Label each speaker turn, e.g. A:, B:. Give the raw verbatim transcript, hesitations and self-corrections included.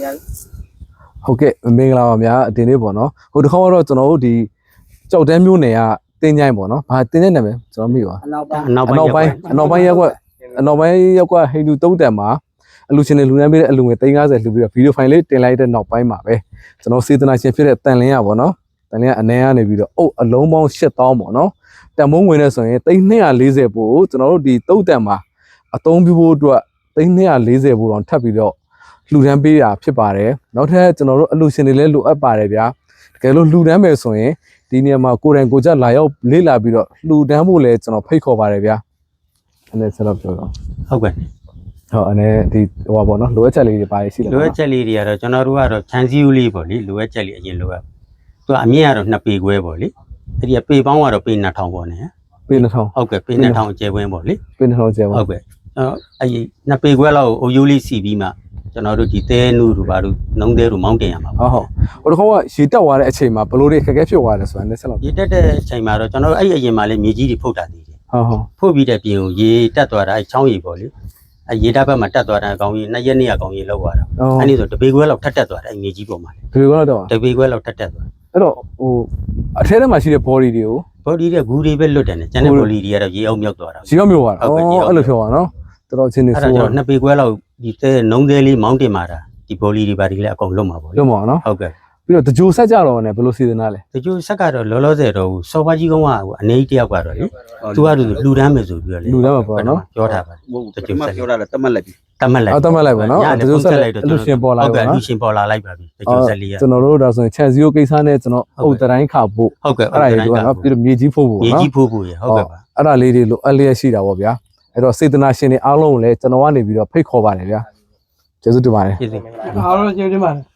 A: ဟုတ်ကဲ့မင်္ဂလာပါဗျာအတင်းလေးပေါ့နော်ဟိုတစ်ခေါက်တော့ကျွန်တော်တို့ဒီကြောက်တန်းမျိုးနယ်ကတင်းကြိုင်းပေါ့နော်ဘာတင်းတဲ့နာမည်ကျွန်တော်မိပါအနောက်ပိုင်းအနောက်ပိုင်းအနောက်ပိုင်းရက်ကွက်အနောက်ပိုင်းရက်ကွက်ဟိန္ဒူသုံးတန်မှာအလူရှင်တွေလူနှမ်းပေးတဲ့အလူငွေသိန်း၅၀လှူပြီးတော့ဗီဒီယိုဖိုင်လေးတင်လိုက်တဲ့နောက်ပိုင်းမှာပဲကျွန်တော်စေတနာရှင်ဖြစ်တဲ့တန်လင်းရပေါ့နော်တန်လင်းရအနေကနေပြီးတော့အုပ်အလုံးပေါင်း၈သောင်းပေါ့နော်တန်မုံဝင်နေဆိုရင်သိန်း၂၄၀ပို့ကျွန်တော်တို့ဒီသုံးတန်မှာအသုံးပြုဖို့အတွက်သိန်း၂၄၀ပို့တော့ထပ်ပြီးတော့လှူဒန်းပေးတာဖြစ်ပါတယ်နောက်ထပ်ကျွန်တော်တို့အလူရှင်တွေလည်းလိုအပ်ပါတယ်ဗျာတကယ်လို့လှူဒန်းမယ်ဆိုရင်ဒီနေရာမှာကိုယ်တိုင်ကိုကြလာရောက်လေ့လာပြီးတော့လှူဒန်းဖို့လည်းကျွန်တော်ဖိတ်ခေါ်ပါတယ်ဗျာအဲ့ဒါဆက်တော့ပြောတော့
B: ဟုတ်ကဲ့
A: ဟုတ်အနေဒီဟိုပါပေါ့နော်လိုအပ်ချက်လေးတွေပါရှိတယ်
B: လိုအပ်ချက်လေးတွေကတော့ကျွန်တော်တို့ကတော့ခြံစည်းဦးလေးပေါ့လေလိုအပ်ချက်လေးအရင်လိုအပ်သူကအမြင့်ကတော့နှစ်ပေခွဲပေါ့လေအဲ့ဒီပေပေါင်းကတော့ပေနှစ်ထောင်ပေါ့နော်
A: ပေနှစ်ထောင်
B: ဟုတ်ကဲ့ပေနှစ်ထောင်ကျဲဝင်းပေါ့လေ
A: ပေနှစ်ထောင်ကျဲဝင်း
B: ဟုတ်ကဲ့အဲ့ဒီနှစ်ပေခွဲလောက်အုပ်ရိုးလေးစီပြီးမှကျွန်တော်တို့ဒီတဲနုတို့ဘာတို့နှုံးတဲတို့မောင်းတင်ရမှာ
A: ပေါ့ဟုတ်ဟုတ်ဟိုတစ်ခါကရေတက်သွားတဲ့အချိန်မှာဘလို့တွေခက်ခဲဖြစ်သွားတယ်ဆိုတာနဲ့ဆက်လောက်
B: ရေတက်တဲ့အချိန်မှာတော့ကျွန်တော်တို့အဲ့ဒီအရင်မှာလေမြေကြီးတွေဖုတ်တာတည်တယ်
A: ဟုတ်ဟုတ်
B: ဖုတ်ပြီးတဲ့ပြင်ကိုရေတက်သွားတာအဲ့ချောင်းရေပေါ့လေအဲ့ရေတက်ဘက်မှာတက်သွားတာအကောင်ကြီးနှစ်ရက်နှစ်ရက်ကောင်ကြီးလောက်သွားတာအဲ့ဒီဆိုတပေခွဲလောက်ထက်တက်သွားတယ်အဲ့မြေကြီးပေါ်မှာလေ
A: တပေခွဲလောက်တော့
B: တပေခွဲလောက်ထက်တက်သွား
A: အဲ့တော့ဟိုအထဲထဲမှာရှိတဲ့ body တွေကို
B: body တွေဂူတွေပဲလွတ်တယ်နဲ့ကျန်တဲ့ body တွေကတော့ရေအောင်မြောက်သွားတာ
A: ရေအောင်မြောက်သွားတာဟုတ်ကဲ့အဲ့လိုပြောပါနော်တော်တော်ချင်းနေ
B: ဆိုတော့နှစ်ပေခွဲလောက်ဒီတဲနှုံးသေးလေးမောင်းတင်มาတာဒီဘောလီတွေဘာတွေလည်းအကုန်လွတ်မှာပေါ့
A: လွတ်မှာနော်
B: ဟုတ်ကဲ့
A: ပြီးတော့တကြိုဆက်ကြတော့ねဘယ်လိုစီစဉ်တာလဲ
B: တကြိုဆက်ကတော့လောလောဆယ်တော့စော်ဘွားကြီးကုန်းကအနေကြီးတယောက်ကတော့လေသူကသူလှူဒန်းမယ်ဆိုပြီးတော့လေ
A: လှူဒန်းမှာပေါ့နော်
B: ပြောထားပါ
C: တကြိုဆက်ပြောတာလည်းတတ်မှတ်လိုက်ပြီ
B: တတ်မှတ်လိုက်
A: တတ်မှတ်လိုက်ပါနော်
B: တကြိုဆက်လိုက်တော့
A: လူရှင်ပေါ်လာ
B: ဟုတ်ကဲ့လူရှင်ပေါ်လာလိုက်ပါပြီတကြိုဆက်လေးရ
A: ကျွန်တော်တို့ဒါဆိုရင်ခြံစည်းရိုးကိစ္စနဲ့ကျွန်တော်အုတ်တိုင်းခါဖို့
B: ဟုတ်ကဲ့
A: အဲ့ဒါကြီးကနော်ပြီးတော့မြေကြီးဖို့ဖို့နော်
B: မြေကြီးဖို့ဖို့ရဟုတ်ကဲ့ပါ
A: အဲ့ဒါလေးတွေလိုအပ်လျက်ရှိတာပေါ့ဗျာအဲ့တော့စေတနာရှင်တွေအားလုံးကိုလည်းကျွန်တော်ကနေပြီးတော့ဖိတ်ခေါ်ပါတယ်ဗျာကျေးဇူးတင်ပါတယ်
B: ကျေးဇူး
D: အားလုံးကျေးဇူးတင်ပါတယ်